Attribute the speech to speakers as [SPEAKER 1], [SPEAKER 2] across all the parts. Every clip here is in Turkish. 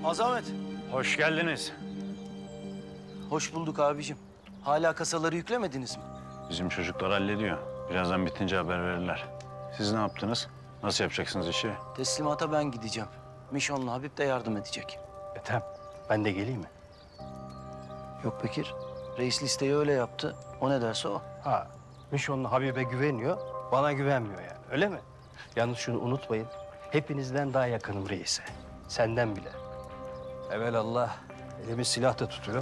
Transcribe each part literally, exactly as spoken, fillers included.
[SPEAKER 1] Azamet.
[SPEAKER 2] Hoş geldiniz.
[SPEAKER 1] Hoş bulduk abicim. Hala kasaları yüklemediniz mi?
[SPEAKER 2] Bizim çocuklar hallediyor. Birazdan bitince haber verirler. Siz ne yaptınız? Nasıl yapacaksınız işi?
[SPEAKER 1] Teslimata ben gideceğim. Mişon'la Habib de yardım edecek.
[SPEAKER 3] Ethem, ben de geleyim mi?
[SPEAKER 1] Yok Bekir. Reis listeyi öyle yaptı. O ne derse o.
[SPEAKER 3] Ha, Mişon'la Habib'e güveniyor, bana güvenmiyor yani, öyle mi? Yalnız şunu unutmayın, hepinizden daha yakınım reise. Senden bile. Evelallah, elimi silah da tutuyor.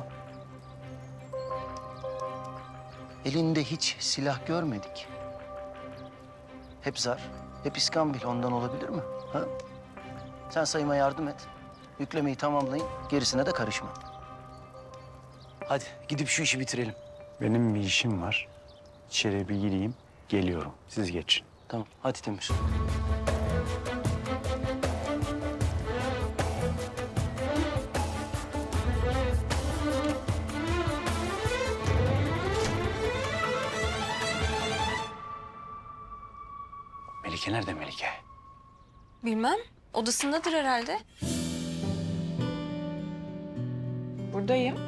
[SPEAKER 1] Elinde hiç silah görmedik. Hep zar, hep iskambil. Ondan olabilir mi? Ha? Sen sayıma yardım et. Yüklemeyi tamamlayın, gerisine de karışma. Hadi gidip şu işi bitirelim.
[SPEAKER 2] Benim bir işim var. İçeri bir gireyim, geliyorum. Siz geçin.
[SPEAKER 1] Tamam, hadi Temür.
[SPEAKER 2] Melike nerede Melike?
[SPEAKER 4] Bilmem. Odasındadır herhalde.
[SPEAKER 5] Buradayım.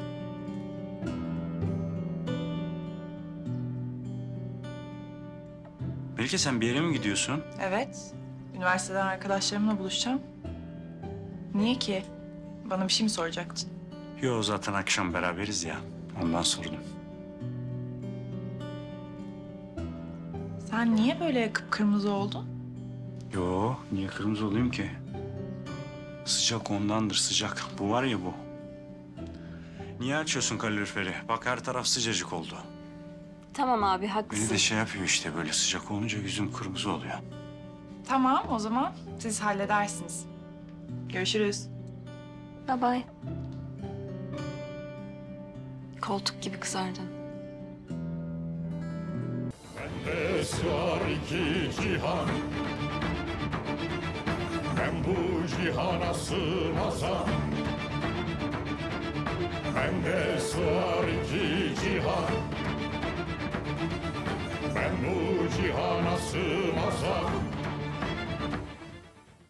[SPEAKER 2] Melike sen bir yere mi gidiyorsun?
[SPEAKER 5] Evet. Üniversiteden arkadaşlarımla buluşacağım. Niye ki? Bana bir şey mi soracaktın?
[SPEAKER 2] Yo zaten akşam beraberiz ya. Ondan sordum.
[SPEAKER 5] Sen niye böyle kıpkırmızı oldun?
[SPEAKER 2] Yo niye kırmızı olayım ki? Sıcak ondandır sıcak. Bu var ya bu. Niye açıyorsun kaloriferi? Bak her taraf sıcacık oldu.
[SPEAKER 4] Tamam abi
[SPEAKER 2] Beni
[SPEAKER 4] haklısın.
[SPEAKER 2] de şey yapıyor işte böyle sıcak olunca yüzüm kırmızı oluyor.
[SPEAKER 5] Tamam o zaman siz halledersiniz. Görüşürüz.
[SPEAKER 4] Bye bye. Koltuk gibi kızardın.
[SPEAKER 6] Bende sığar iki cihan, ben bu cihana sığmazam. Bende sığar iki cihan, ben bu cihana sığmazam.